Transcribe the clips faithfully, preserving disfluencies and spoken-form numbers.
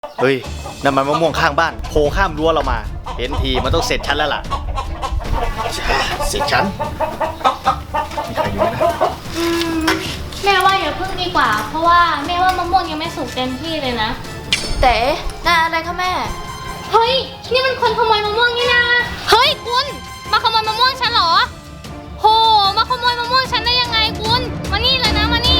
เฮ้ยนั่นมันมะม่วงข้างบ้านโผล่ข้ามรั้วเรามาเห็นทีมันต้องเสร็จฉันแล้วล่ะเสร็จฉันมีใครอยู่ไหมนะอืมแม่ว่าอย่าพึ่งดีกว่า เพราะว่าแม่ว่ามะม่วงยังไม่สุกเต็มที่เลยนะเต๋น่าอะไรคะแม่เฮ้ยนี่มันคนขโมยมะม่วงนี่นะเฮ้ยคุณมาขโมยมะม่วงฉันเหรอโหมาขโมยมะม่วงฉันได้ยังไงคุณมานี่เลยนะมานี่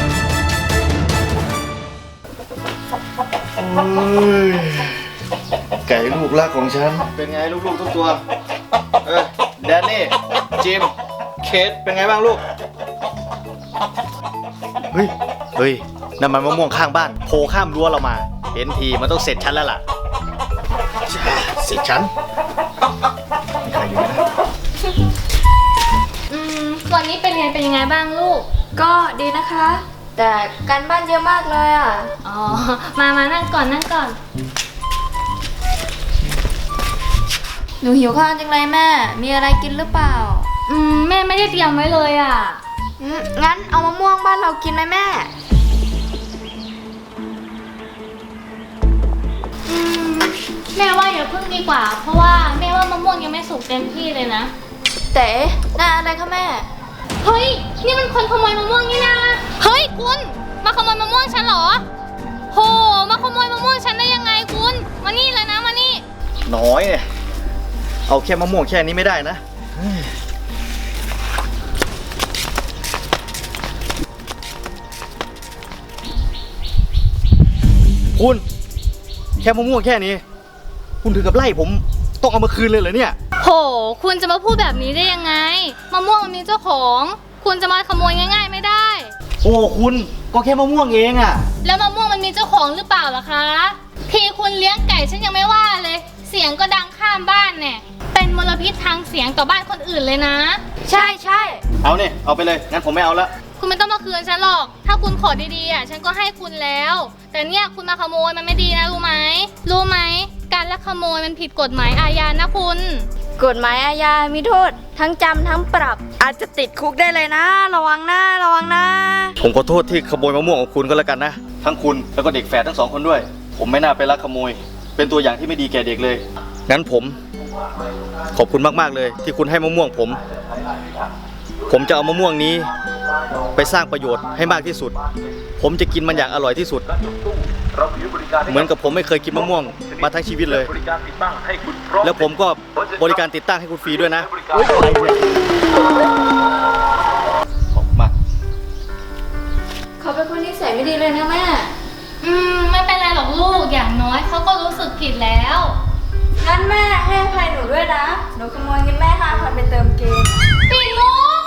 ไก่ลูกรักของฉันเป็นไงลูกๆทุกตัวเออแดนนี่จิมเคทเป็นไงบ้างลูกเฮ้ยเฮ้ยนั่นมันมะม่วงข้างบ้านโผล่ข้ามรั้วเรามาเห็นทีมันต้องเสร็จฉันแล้วล่ะเสร็จฉันมีใครอยู่ไหมนะอืมวันนี้เป็นเรียนเป็นยังไงบ้างลูกก็ดีนะคะ แต่การบ้านเยอะมากเลยอ่ะอ๋อมามานั่งก่อนนั่งก่อนหนูหิวข้าวจังเลยแม่ มีอะไรกินหรือเปล่าอืมแม่ไม่ได้เตรียมไว้เลยอ่ะอืมงั้นเอามะม่วงบ้านเรากินไหมแม่อืมแม่ว่าอย่าพึ่งดีกว่า เพราะว่าแม่ว่ามะม่วงยังไม่สุกเต็มที่เลยนะเต๋น่าอะไรคะแม่เฮ้ยนี่มันคนขโมยมะม่วงนี่นะเฮ้ยคุณมาขโมยมะม่วงฉันเหรอโหมาขโมยมะม่วงฉันได้ยังไงคุณมานี่เลยนะมานี่น้อยเนี่ยเอาแค่มะม่วงแค่นี้ไม่ได้นะคุณแค่มะม่วงแค่นี้คุณถึงกับไล่ผมต้องเอามาคืนเลยเหรอเนี่ยโหคุณจะมาพูดแบบนี้ได้ยังไงมะม่วงมันมีเจ้าของ คุณจะมาขโมยง่ายๆไม่ได้โอ้คุณก็แค่มะม่วงเองอะแล้วมะม่วงมันมีเจ้าของหรือเปล่าล่ะคะทีคุณเลี้ยงไก่ฉันยังไม่ว่าเลย เสียงก็ดังข้ามบ้านเนี่ยเป็นมลพิษทางเสียงต่อบ้านคนอื่นเลยนะใช่ใช่เอาเนี่ยเอาไปเลยงั้นผมไม่เอาละคุณไม่ต้องมาคืนฉันหรอก ถ้าคุณขอดีๆอ่ะฉันก็ให้คุณแล้ว แต่เนี่ยคุณมาขโมยมันไม่ดีนะรู้ไหมรู้ไหมการลักขโมยมันผิดกฎหมายอาญานะคุณกฎหมายอาญามีโทษ ทั้งจำทั้งปรับ อาจจะติดคุกได้เลยนะ ระวังนะระวังนะผมขอโทษที่ขโมยมะม่วงของคุณก็แล้วกันนะทั้งคุณแล้วก็เด็กแฝดทั้งสองคนด้วย ผมไม่น่าไปลักขโมย เป็นตัวอย่างที่ไม่ดีแก่เด็กเลยงั้นผมขอบคุณมากๆเลยที่คุณให้มะม่วงผม ผมจะเอามะม่วงนี้ไปสร้างประโยชน์ให้มากที่สุด ผมจะกินมันอย่างอร่อยที่สุด เหมือนกับผมไม่เคยกินมะม่วงมาทั้งชีวิตเลย แล้วผมก็บริการติดตั้งให้คุณฟรีด้วยนะขอบคุณมากเขาเป็นคนนิสัยไม่ดีเลยนะแม่อืมไม่เป็นไรหรอกลูกอย่างน้อยเขาก็รู้สึกผิดแล้วงั้นแม่ให้อภัยหนูด้วยนะ หนูขโมยเงินแม่ห้าพันไปเติมเกมปีมุก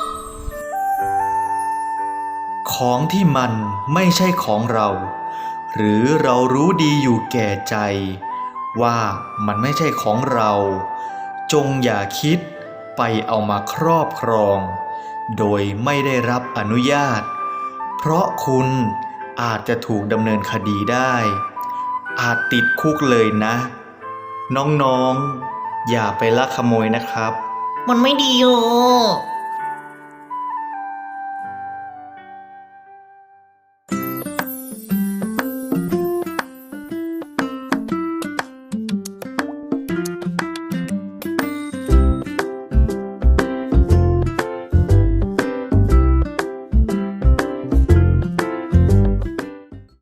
ของที่มันไม่ใช่ของเรา หรือเรารู้ดีอยู่แก่ใจ ว่ามันไม่ใช่ของเรา จงอย่าคิดไปเอามาครอบครอง โดยไม่ได้รับอนุญาต เพราะคุณอาจจะถูกดำเนินคดีได้ อาจติดคุกเลยนะ น้องๆ อย่าไปลักขโมยนะครับมันไม่ดีอยู่